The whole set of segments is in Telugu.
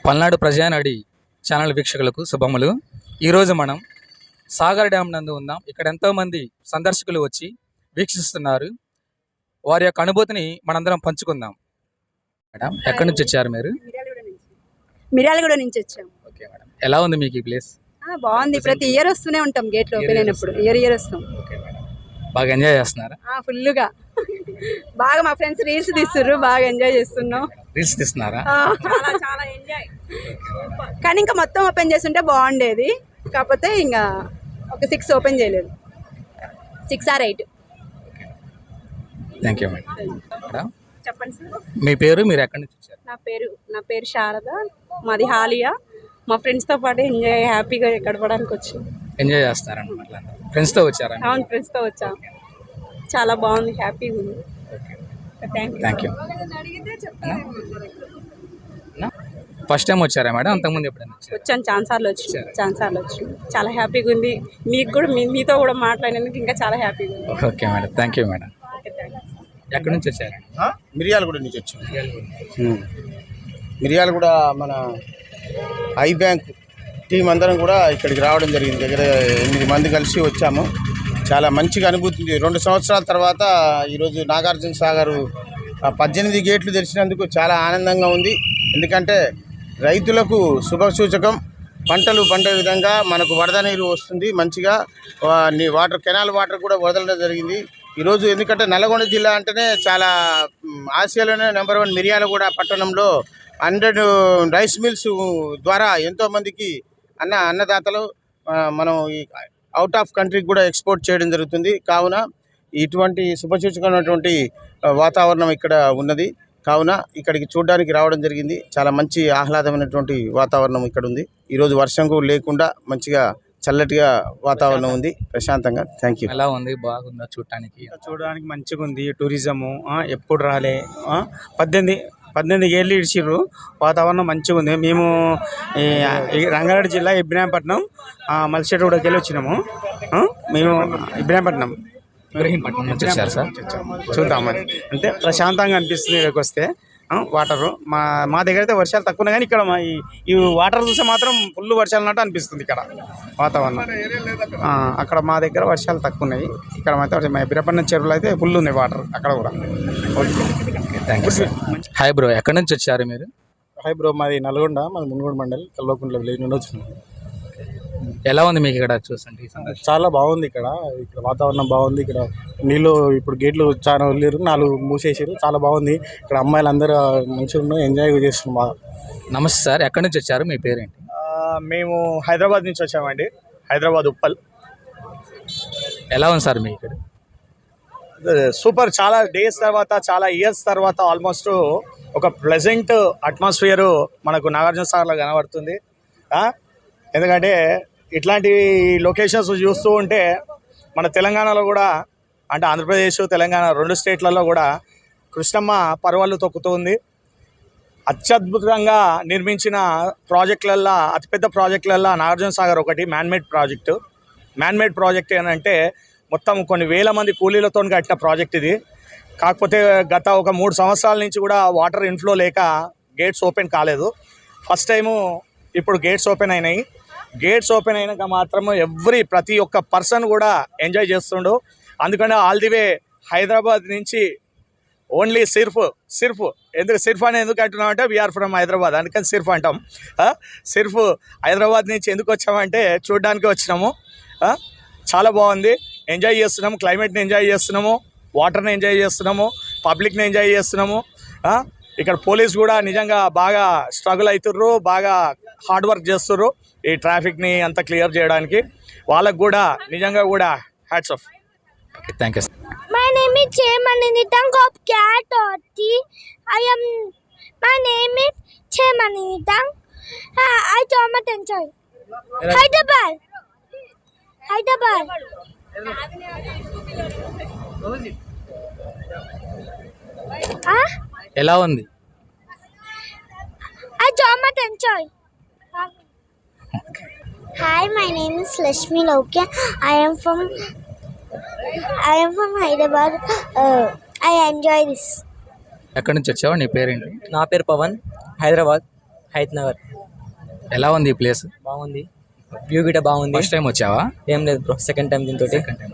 పల్నాడు ప్రజానాడి ఛానల్ వీక్షకులకు శుభములు. ఈరోజు మనం సాగర్ డ్యామ్ నందు ఉన్నాం. ఇక్కడ ఎంతోమంది సందర్శకులు వచ్చి వీక్షిస్తున్నారు. వారి యొక్క అనుభూతిని మనందరం పంచుకుందాం. మేడం, ఎక్కడి నుంచి వచ్చారు మీరు? మిర్యాలగూడ నుంచి వచ్చాం. ఓకే మేడం, ఎలా ఉంది మీకు ఈ ప్లేస్? బాగుంది. ప్రతి ఇయర్ వస్తూనే ఉంటాం. గేట్ ఓపెన్ అయినప్పుడు ఇయర్ వస్తాం. ఓకే మేడం, బాగా ఎంజాయ్ చేస్తున్నారా? ఫుల్గా బాగా మా ఫ్రెండ్స్ రీల్స్ తీస్తున్నారు. బాగా ఎంజాయ్ చేస్తున్నాం. రీల్స్ తీస్తున్నారా? చాలా ఎంజాయ్. కానీ ఇంకా మొత్తం ఓపెన్ చేస్తుంటే బాగుండేది. కాకపోతే ఇంకా ఒక 6 ఓపెన్ చేయలేదు. 6 or 8. Thank you madam. చెప్పండి సార్. మీ పేరు, మీరు ఎక్కడి నుంచి వచ్చారు? నా పేరు శారద. మాది హాలియా. మా ఫ్రెండ్స్తో పాటు ఎంజాయ్ హ్యాపీగా గడపడానికి వచ్చాం. ఎంజాయ్ చేస్తారన్నమాట. ఫ్రెండ్స్తో వచ్చారా? అవును, ఫ్రెండ్స్తో వచ్చాం. చాలా బాగుంది, హ్యాపీగా ఉంది. Thank you. ఫస్ట్ టైం వచ్చారా మేడం? అంతకుముందు ఎప్పుడైనా వచ్చాను, ఛాన్సార్లు వచ్చి చాలా హ్యాపీగా ఉంది. మీకు కూడా మీతో కూడా మాట్లాడినందుకు ఇంకా చాలా హ్యాపీగా ఉంది. Okay madam, thank you madam. ఎక్కడి నుంచి వచ్చారు? మిర్యాలగూడ నుంచి వచ్చాం. మిర్యాలగూడ మన ఐ బ్యాంక్ టీం అందరం కూడా ఇక్కడికి రావడం జరిగింది. దగ్గర 8 మంది కలిసి వచ్చాము. చాలా మంచిగా అనుభూతి. 2 సంవత్సరాల తర్వాత ఈరోజు నాగార్జున సాగర్ 18 గేట్లు తెరిచినందుకు చాలా ఆనందంగా ఉంది. ఎందుకంటే రైతులకు శుభసూచకం. పంటలు పండే విధంగా మనకు వరద నీరు వస్తుంది. మంచిగా వాటర్, కెనాల్ వాటర్ కూడా వదలడం జరిగింది ఈరోజు. ఎందుకంటే నల్గొండ జిల్లా అంటేనే చాలా ఆసియాలోనే నెంబర్ 1 మిర్యాలగూడ పట్టణంలో 100 రైస్ మిల్స్ ద్వారా ఎంతోమందికి అన్నదాతలు మనం ఈ అవుట్ ఆఫ్ కంట్రీకి కూడా ఎక్స్పోర్ట్ చేయడం జరుగుతుంది. కావున ఇటువంటి శుభసూచకమైనటువంటి వాతావరణం ఇక్కడ ఉన్నది. కావున ఇక్కడికి చూడడానికి రావడం జరిగింది. చాలా మంచి ఆహ్లాదమైనటువంటి వాతావరణం ఇక్కడ ఉంది. ఈరోజు వర్షం కూడా లేకుండా మంచిగా చల్లటిగా వాతావరణం ఉంది, ప్రశాంతంగా. Thank you. ఎలా ఉంది? బాగుందా? చూడడానికి మంచిగా ఉంది. టూరిజము ఎప్పుడు రాలే. 18 ఏళ్ళు ఇడిచిర్రు. వాతావరణం మంచిగా ఉంది. మేము రంగారెడ్డి జిల్లా ఇబ్రాహీంపట్నం మల్సిగూడకి వెళ్ళి వచ్చినాము. మేము ఇబ్రాహీంపట్నం వచ్చారు సార్. చూద్దామని అంటే ప్రశాంతంగా అనిపిస్తుంది ఇక్కడికి వస్తే. వాటరు మా దగ్గర అయితే వర్షాలు తక్కువ ఉన్నాయి, కానీ ఇక్కడ ఈ వాటర్ చూస్తే మాత్రం ఫుల్ వర్షాలు ఉన్నట్టు అనిపిస్తుంది ఇక్కడ వాతావరణం. అక్కడ మా దగ్గర వర్షాలు తక్కువ ఉన్నాయి. ఇక్కడ మాత్రం మా ఇబ్రాహీంపట్నం చెరువులో అయితే ఫుల్ ఉంది వాటర్ అక్కడ కూడా. Thank you sir. Hi bro, ఎక్కడి నుంచి వచ్చారు మీరు? హాయ్ బ్రో, మాది నల్గొండ, మాది మున్గోడు మండల్ కల్వకుంట్ల విలేజ్ నుండి వచ్చినాం. ఎలా ఉంది మీకు ఇక్కడ చూస్తుంటే? చాలా బాగుంది. ఇక్కడ వాతావరణం బాగుంది. ఇక్కడ నీళ్ళు ఇప్పుడు గేట్లు చాలా వదిలేరు, 4 మూసేసారు. చాలా బాగుంది. ఇక్కడ అమ్మాయిలు అందరూ మంచిగా ఉన్నాయి, ఎంజాయ్ చేస్తున్నాం బాగా. నమస్తే సార్, ఎక్కడి నుంచి వచ్చారు? మీ పేరేంటి? మేము హైదరాబాద్ నుంచి వచ్చామండి. హైదరాబాద్ ఉప్పల్. ఎలా ఉంది సార్ మీకు ఇక్కడ? సూపర్. చాలా డేస్ తర్వాత, చాలా ఇయర్స్ తర్వాత ఆల్మోస్ట్ ఒక ప్లెజెంట్ అట్మాస్ఫియర్ మనకు నాగార్జున సాగర్లో కనబడుతుంది. ఎందుకంటే ఇట్లాంటి లొకేషన్స్ చూస్తూ ఉంటే మన తెలంగాణలో కూడా, అంటే ఆంధ్రప్రదేశ్ తెలంగాణ 2 స్టేట్లలో కూడా కృష్ణమ్మ పర్వాలు తొక్కుతూ ఉంది. అత్యద్భుతంగా నిర్మించిన ప్రాజెక్టులల్లో, అతిపెద్ద ప్రాజెక్టులల్లో నాగార్జున సాగర్ ఒకటి. మ్యాన్మేడ్ ప్రాజెక్ట్ ఏంటంటే మొత్తం కొన్ని వేల మంది కూలీలతో కట్టిన ప్రాజెక్ట్ ఇది. కాకపోతే గత ఒక 3 సంవత్సరాల నుంచి కూడా వాటర్ ఇన్ఫ్లో లేక గేట్స్ ఓపెన్ కాలేదు. ఫస్ట్ టైము ఇప్పుడు గేట్స్ ఓపెన్ అయినాయి. గేట్స్ ఓపెన్ అయినాక మాత్రము ప్రతి ఒక్క పర్సన్ కూడా ఎంజాయ్ చేస్తుండు. అందుకనే ఆల్ ది వే హైదరాబాద్ నుంచి ఓన్లీ సిర్ఫ్ సిర్ఫ్ అని ఎందుకు అంటున్నామంటే వీఆర్ ఫ్రమ్ హైదరాబాద్, అందుకని సిర్ఫ్ అంటాం. సిర్ఫ్ హైదరాబాద్ నుంచి ఎందుకు వచ్చామంటే చూడడానికి వచ్చినాము. చాలా బాగుంది, ఎంజాయ్ చేస్తున్నాము. క్లైమేట్ని ఎంజాయ్ చేస్తున్నాము, వాటర్ని ఎంజాయ్ చేస్తున్నాము, పబ్లిక్ని ఎంజాయ్ చేస్తున్నాము. ఇక్కడ పోలీస్ కూడా నిజంగా బాగా స్ట్రగుల్ అవుతుర్రు, బాగా హార్డ్ వర్క్ చేస్తుర్రు ఈ ట్రాఫిక్ని అంతా క్లియర్ చేయడానికి. వాళ్ళకు కూడా నిజంగా కూడా hats off. Okay, thank you. My name is Chemaninitam Kopkyatoti. My name is Chemaninitam. I Thomas Enjoy. Hyderabad. ఎలా ఉంది? I Thomas Enjoy. Hi, my name is Lashmi Lokya. I am from Hyderabad. I enjoy this. ఎక్కడి నుంచి వచ్చావు? నీ పేరేంటి? నా పేరు పవన్, హైదరాబాద్. హైత్ నగర్. ఎలా ఉంది ఈ ప్లేస్? బాగుంది, వ్యూ గిట బాగుంది. ఫస్ట్ టైం వచ్చావా? ఏం లేదు బ్రో, సెకండ్ టైం దీంతో.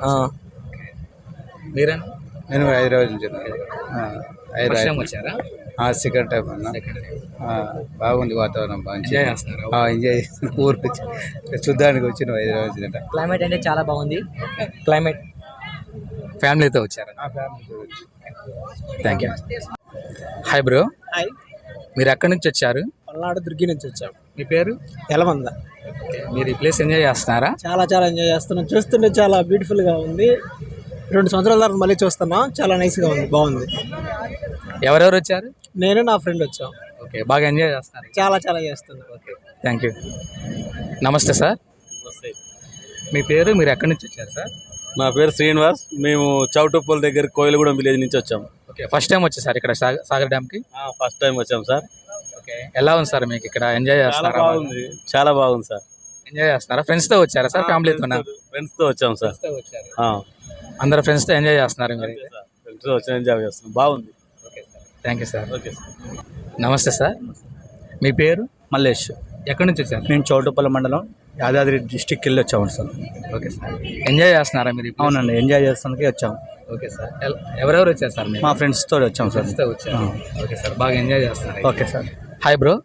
మీరేనా? నేను హైదరాబాద్ నుంచి ఫస్ట్ టైం వచ్చారా? సెకండ్ టైం అన్న. బాగుంది వాతావరణం, బాగా ఎంజాయ్ చేస్తున్నారా? ఎంజాయ్ ఊరికి చూడ్డానికి వచ్చిన హైదరాబాద్ నుంచి. క్లైమేట్ అంటే చాలా బాగుంది. క్లైమేట్ ఫ్యామిలీతో వచ్చారా? Thank you. Hi bro. Hi, మీరు ఎక్కడి నుంచి వచ్చారు? పల్నాడు దుర్గి నుంచి వచ్చాం. మీ పేరు? ఎలమంద. మీరు ఈ ప్లేస్ ఎంజాయ్ చేస్తున్నారా? చాలా చాలా ఎంజాయ్ చేస్తున్నాం. చూస్తుంటే చాలా బ్యూటిఫుల్గా ఉంది. 2 సంవత్సరాల తర్వాత మళ్ళీ చూస్తున్నాం. చాలా నైస్గా ఉంది, బాగుంది. ఎవరెవరు వచ్చారు? నేను నా ఫ్రెండ్ వచ్చాం. ఓకే, బాగా ఎంజాయ్ చేస్తున్నారు. చాలా చాలా చేస్తున్నాం. Okay, thank you. నమస్తే సార్. మీ పేరు, మీరు ఎక్కడి నుంచి వచ్చారు సార్? నా పేరు శ్రీనివాస్. మేము చౌటుప్పల్ దగ్గర కోయిలగూడెం విలేజ్ నుంచి వచ్చాము. ఓకే, ఫస్ట్ టైం వచ్చేసారు ఇక్కడ సాగర్ డ్యామ్కి? ఫస్ట్ టైం వచ్చాం సార్. ఓకే, ఎలా ఉంది సార్ మీకు ఇక్కడ? ఎంజాయ్ చాలా చేస్తున్నారా? బాగుంది, చాలా బాగుంది సార్. ఎంజాయ్ చేస్తున్నారా? ఫ్రెండ్స్తో వచ్చారా సార్, ఫ్యామిలీతోనా? ఫ్రెండ్స్తో వచ్చాం సార్. అందరు ఫ్రెండ్స్తో ఎంజాయ్ చేస్తున్నారు మీరు? ఫ్రెండ్స్తో వచ్చి ఎంజాయ్ చేస్తున్నాం, బాగుంది. Thank you sir. Okay sir. నమస్తే సార్. మీ పేరు? మల్లేష్. ఎక్కడి నుంచి వచ్చారు? మేము చౌటుప్పల్ మండలం యాదాద్రి డిస్టిక్ వెళ్ళి వచ్చాము సార్. Okay sir. ఎంజాయ్ చేస్తున్నారా మీరు? అవునండి, ఎంజాయ్ చేస్తానికి వచ్చాము. Okay sir. ఎవరెవరు వచ్చారు సార్? మా ఫ్రెండ్స్తో వచ్చాము సార్. ఫ్రెండ్స్తో వచ్చారు. ఓకే సార్, బాగా ఎంజాయ్ చేస్తున్నారు. Okay sir. Hi bro.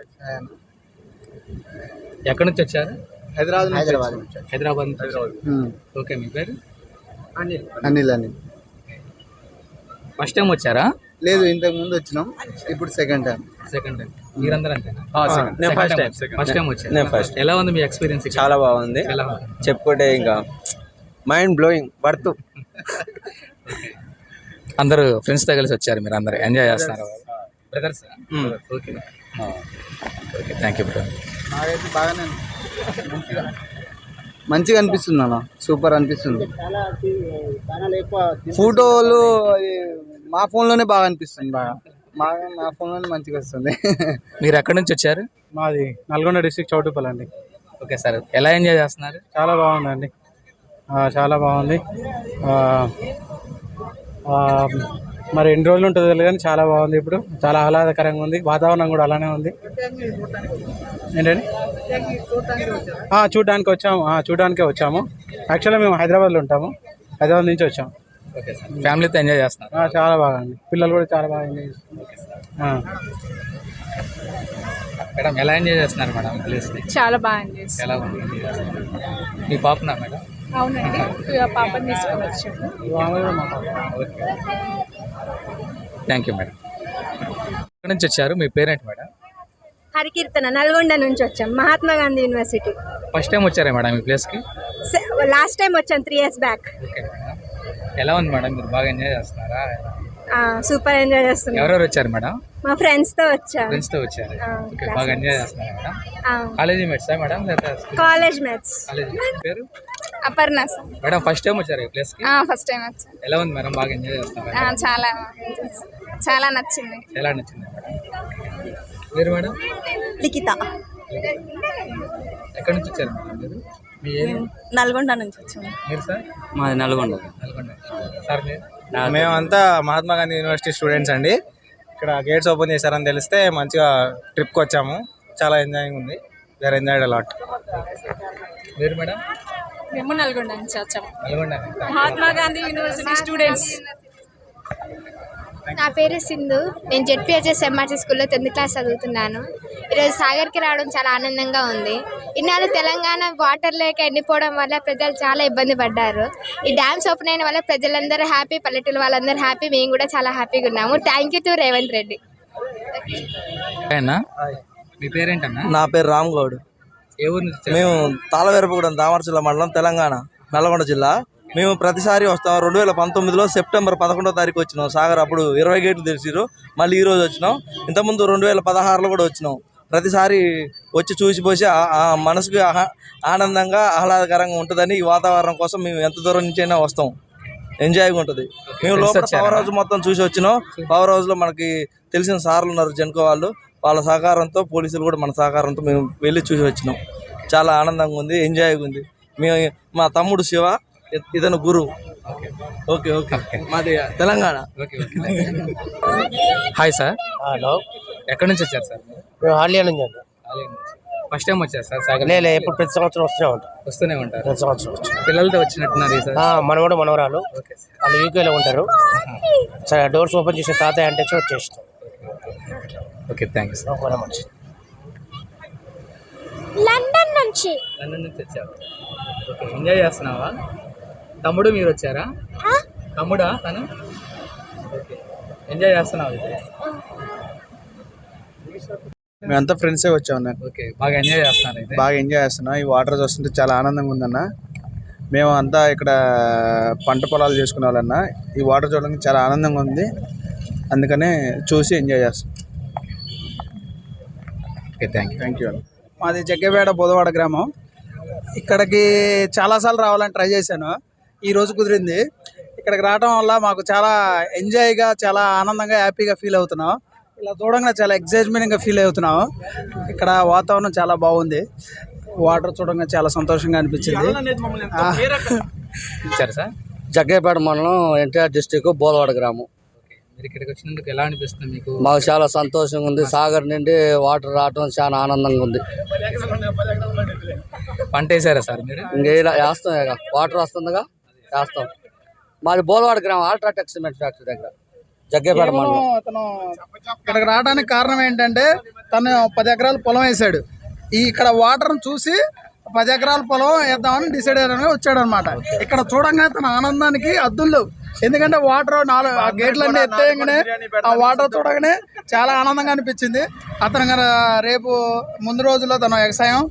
ఎక్కడి నుంచి వచ్చారు? హైదరాబాద్ హైదరాబాద్ నుంచి వచ్చారు. ఓకే, మీ పేరు? అనిల్. ఫస్ట్ టైం వచ్చారా? లేదు, ఇంతకు ముందు వచ్చినాం, ఇప్పుడు సెకండ్ టైం. Second time. మీరందరూ అంతేనా? నేను ఫస్ట్ టైం. ఫస్ట్ టైం వచ్చారు. నేను ఫస్ట్. ఎలా ఉంది మీ ఎక్స్పీరియన్స్? చాలా బాగుంది, ఎలా ఉంది? చెప్పుకుంటే ఇంకా మైండ్ బ్లోయింగ్, వర్త్. అందరూ ఫ్రెండ్స్తో కలిసి వచ్చారు, మీరు అందరూ ఎంజాయ్ చేస్తున్నారు brothers? Okay okay, thank you bro. నాకైతే బాగానే మంచిగా అనిపిస్తుంది అన్న, సూపర్ అనిపిస్తుంది. ఫోటోలు మా ఫోన్లోనే బాగా అనిపిస్తుంది, మా ఫోన్లోనే మంచిగా వస్తుంది. మీరు ఎక్కడి నుంచి వచ్చారు? మాది నల్గొండ డిస్ట్రిక్ట్ చౌటుప్పల్ అండి. ఓకే సార్, ఎలా ఎంజాయ్ చేస్తున్నారు? చాలా బాగుందండి, చాలా బాగుంది. మరి ఎన్ని రోజులు ఉంటుందో తెలియదు కానీ చాలా బాగుంది. ఇప్పుడు చాలా ఆహ్లాదకరంగా ఉంది, వాతావరణం కూడా అలానే ఉంది. ఏంటండి? చూడడానికే వచ్చాము. యాక్చువల్గా మేము హైదరాబాద్లో ఉంటాము, హైదరాబాద్ నుంచి వచ్చాము. Okay sir. ఫ్యామిలీతో ఎంజాయ్ చేస్తున్నారు? చాలా బాగా అండి, పిల్లలు కూడా చాలా బాగా ఎంజాయ్ చేస్తున్నారు. మేడం, ఎలా ఎంజాయ్ చేస్తున్నారు మేడం ఈ ప్లేస్ని? చాలా బాగా ఎంజాయ్ చేస్తాం. ఎలా ఉంది? మీ పాపనా మేడం? అవునండి, పాపని తీసుకొని వచ్చాము. Thank you madam. ఎక్కడి నుంచి వచ్చారు? మీ పేరేంటి మేడం? హరికీర్తన, నల్గొండ నుంచి వచ్చాం, Mahatma Gandhi university. First time వచ్చారా మేడం ఈ ప్లేస్కి? లాస్ట్ టైం వచ్చాం 3 years బ్యాక్. Okay madam. ఎలా ఉంది మేడం? మీరు బాగా ఎంజాయ్ చేస్తున్నారా? సూపర్ ఎంజాయ్ చేస్తున్నాం. ఎవరెవరు వచ్చారు మేడం? మా ఫ్రెండ్స్తో వచ్చాం. ఫ్రెండ్స్తో వచ్చారు. ఓకే, బాగా ఎంజాయ్ చేస్తున్నారా మేడం? కాలేజీ మేట్సా మేడం? College mates. కాలేజీ పేరు? అపర్ణ. మేడం, ఫస్ట్ టైం వచ్చారు ఈ ప్లేస్కి? ఫస్ట్ టైం వచ్చాం. ఎలా ఉంది మేడం? బాగా ఎంజాయ్ చేస్తున్నారా? చాలా నచ్చింది. ఎలా నచ్చింది మేడం? మీరు మేడం? లిఖిత. ఎక్కడి నుంచి వచ్చారు మేడం మీరు? మీ నల్గొండ నుంచి వచ్చాము. మీరు సార్? మాది నల్గొండ. నల్గొండ. సార్ మీరు? మేమంతా మహాత్మా గాంధీ యూనివర్సిటీ స్టూడెంట్స్ అండి. ఇక్కడ గేట్స్ ఓపెన్ చేశారని తెలిస్తే మంచిగా ట్రిప్కి వచ్చాము, చాలా ఎంజాయింగ్ ఉంది. We're enjoyed a lot. మీరు మేడం? మేము నల్గొండ నుంచి వచ్చాము. నల్గొండ. Mahatma Gandhi university students. నా పేరు సింధు. నేను జెడ్పీహెచ్ఎస్ ఎంఆర్సీ స్కూల్లో 10th క్లాస్ చదువుతున్నాను. ఈరోజు సాగర్కి రావడం చాలా ఆనందంగా ఉంది. ఇన్నాళ్ళు తెలంగాణ వాటర్ లేక ఎండిపోవడం వల్ల ప్రజలు చాలా ఇబ్బంది పడ్డారు. ఈ డ్యామ్స్ ఓపెన్ అయిన వల్ల ప్రజలందరూ హ్యాపీ, పల్లెటూరు వాళ్ళందరూ హ్యాపీ, మేము కూడా చాలా హ్యాపీగా ఉన్నాము. Thank you to Revanth Reddy. మీ పేరేంటన్నా? నా పేరు రామ్ గౌడ్. ఏ ఊరు నుంచి వచ్చారు? మేము తాళవేరపుగూడెం దామరచిల్ల మండలం, తెలంగాణ, నల్గొండ జిల్లా. మేము ప్రతిసారి వస్తాం. 2019లో సెప్టెంబర్ 11వ తారీఖు వచ్చినాం సాగర్. అప్పుడు 20 గేట్లు తెరిచిరు. మళ్ళీ ఈరోజు వచ్చినాం. ఇంతకుముందు 2016లో కూడా వచ్చినాం. ప్రతిసారి వచ్చి చూసిపోసి మనసుకు ఆనందంగా ఆహ్లాదకరంగా ఉంటుందని ఈ వాతావరణం కోసం మేము ఎంత దూరం నుంచి అయినా వస్తాం. ఎంజాయ్గా ఉంటుంది. మేము లోపల పవర్ హౌస్ మొత్తం చూసి వచ్చినాం. పవర్ హౌస్లో మనకి తెలిసిన సార్లు ఉన్నారు, జెన్కో వాళ్ళు, వాళ్ళ సహకారంతో, పోలీసులు కూడా మన సహకారంతో మేము వెళ్ళి చూసి వచ్చినాం. చాలా ఆనందంగా ఉంది, ఎంజాయ్గా ఉంది. మేము మా తమ్ముడు శివ, ఇతను గురు. ఓకే ఓకే, మాది తెలంగాణ. Hi sir. హలో. ఎక్కడి నుంచి వచ్చారు సార్ మీరు? మేము ఆలియా నుంచి అండి. ఫస్ట్ టైం వచ్చారు సార్ సాగర్? లేదు, ఎప్పుడు ప్రతి సంవత్సరం వస్తూనే ఉంటారు. ప్రతి సంవత్సరం వచ్చి పిల్లలతో వచ్చినట్టున్నారు ఈ సార్. మనవడు మనవరాలు ఓకే సార్. వాళ్ళు యూకేలో ఉంటారు. సరే డోర్స్ ఓపెన్ చేసిన తాతయ్య అంటే వచ్చేస్తాం. Okay, thank you sir. London నుంచి లండన్ నుంచి వచ్చారు. ఓకే, ఎంజాయ్ చేస్తున్నావా? తమ్ముడు మీరు వచ్చారా? తమ్ముడా తను? ఓకే, ఎంజాయ్ చేస్తున్నావు అయితే? మేమంతా ఫ్రెండ్సే వచ్చామన్న. ఓకే, బాగా ఎంజాయ్ చేస్తున్నారు అయితే? బాగా ఎంజాయ్ చేస్తున్నాం. ఈ వాటర్ చూస్తుంటే చాలా ఆనందంగా ఉందన్న. మేము అంతా ఇక్కడ పంట పొలాలు చేసుకునే వాళ్ళన్న. ఈ వాటర్ చూడడానికి చాలా ఆనందంగా ఉంది, అందుకనే చూసి ఎంజాయ్ చేస్తాం. Okay, thank you. మాది జగ్గేపేట బోధవాడ గ్రామం. ఇక్కడికి చాలాసార్లు రావాలని ట్రై చేశాను, ఈరోజు కుదిరింది. ఇక్కడికి రావడం వల్ల మాకు చాలా ఎంజాయ్గా, చాలా ఆనందంగా, హ్యాపీగా ఫీల్ అవుతున్నాం. ఇలా చూడంగా చాలా ఎగ్జైట్మెంట్గా ఫీల్ అవుతున్నాం. ఇక్కడ వాతావరణం చాలా బాగుంది, వాటర్ చూడంగా చాలా సంతోషంగా అనిపించింది. ఇచ్చారు సార్? జగ్గేపేట మండలం ఎన్టీఆర్ డిస్టిక్ బోధవాడ గ్రామం. మీరు ఇక్కడికి వచ్చినందుకు ఎలా అనిపిస్తుంది మీకు? మాకు చాలా సంతోషంగా ఉంది. సాగర్ నుండి వాటర్ రావడం చాలా ఆనందంగా ఉంది. పంట వేసారా సార్ మీరు? ఇంకా ఇలా వేస్తాం, ఇక వాటర్ వస్తుందిగా వేస్తాం. మాది బోధవాడ గ్రామం, అల్ట్రాటెక్ సిమెంట్ ఫ్యాక్టరీ దగ్గర, జగ్గేపేట మండలం. అతను ఇక్కడికి రావడానికి కారణం ఏంటంటే తను 10 ఎకరాల పొలం వేసాడు. ఇక్కడ వాటర్ని చూసి 10 ఎకరాల పొలం వేద్దామని డిసైడ్ అయ్యారని వచ్చాడు అనమాట. ఇక్కడ చూడంగానే తన ఆనందానికి అద్దులు, ఎందుకంటే వాటర్ 4 గేట్లన్నీ ఎత్తేయగానే ఆ వాటర్ చూడగానే చాలా ఆనందంగా అనిపించింది. అతను రేపు ముందు రోజుల్లో తన వ్యవసాయం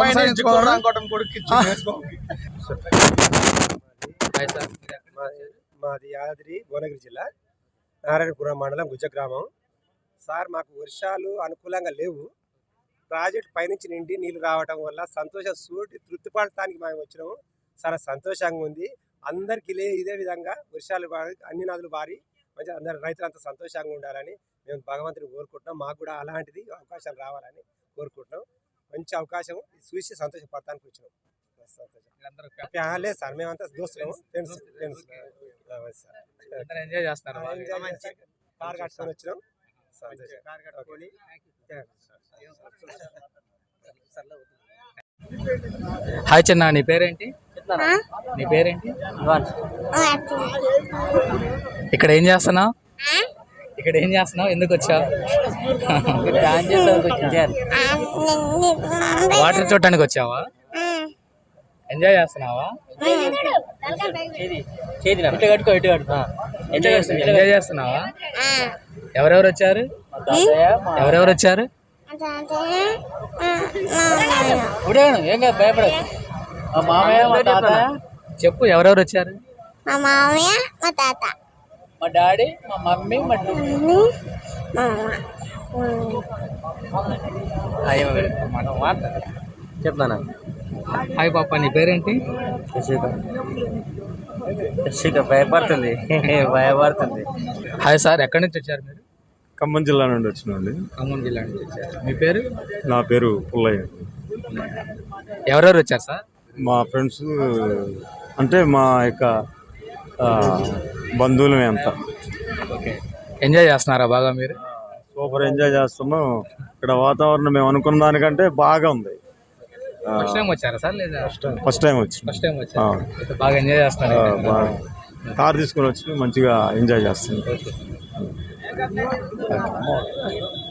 మాది యాదాద్రి భువనగిరి జిల్లా నారాయణపురం మండలం గుజ్జ గ్రామం. సార్, మాకు వర్షాలు అనుకూలంగా లేవు. ప్రాజెక్ట్ పైనుంచి నిండి నీళ్లు రావడం వల్ల తృప్తి పడటానికి మేము వచ్చినాము. చాలా సంతోషంగా ఉంది. అందరికీ ఇదే విధంగా వర్షాలు అన్ని నదులు బారి మంచి అందరు రైతులంతా సంతోషంగా ఉండాలని మేము భగవంతుని కోరుకుంటున్నాం. మాకు కూడా అలాంటిది అవకాశాలు రావాలని కోరుకుంటున్నాం. మంచి అవకాశం చూసి సంతోషపడటానికి వచ్చినాం. లేదు సార్, మేమంతా దోస్తులు, ఫ్రెండ్స్. ఎంజాయ్ చేస్తారు? కార్ కట్టుకొని వచ్చినాం. హాయ్ చిన్న, నీ పేరేంటి? నీ పేరేంటి? ఇక్కడ ఏం చేస్తున్నావు? ఎందుకు వచ్చావు? వాటర్ చూడటానికి వచ్చావా? ఎంజాయ్ చేస్తున్నావా? ఎంజాయ్ చేస్తున్నావా? ఎవరెవరు వచ్చారు? చెప్పు, ఎవరెవరు వచ్చారు? మా మామయ్య, మా తాత, మా డాడీ, మా మమ్మీ, మా చెప్తానా? హాయ్ పాప, నీ పేరేంటి? భయపడుతుంది. హాయ్ సార్, ఎక్కడి నుంచి వచ్చారు మీరు? ఖమ్మం జిల్లా నుండి వచ్చినండి. ఖమ్మం జిల్లా నుంచి వచ్చారు. మీ పేరు? నా పేరు పుల్లయ్య. ఎవరెవరు వచ్చారు సార్? మా ఫ్రెండ్స్ అంటే మా యొక్క బంధువులమే అంతా. ఓకే, ఎంజాయ్ చేస్తున్నారా బాగా మీరు? సూపర్ ఎంజాయ్ చేస్తున్నాం. ఇక్కడ వాతావరణం మేము అనుకున్న దానికంటే బాగా ఉంది. ఫస్ట్ టైం వచ్చారా సార్? లేదా ఫస్ట్ టైం వచ్చి బాగా ఎంజాయ్ చేస్తున్నారు. కార్ తీసుకొని వచ్చి మంచిగా ఎంజాయ్ చేస్తున్నాం.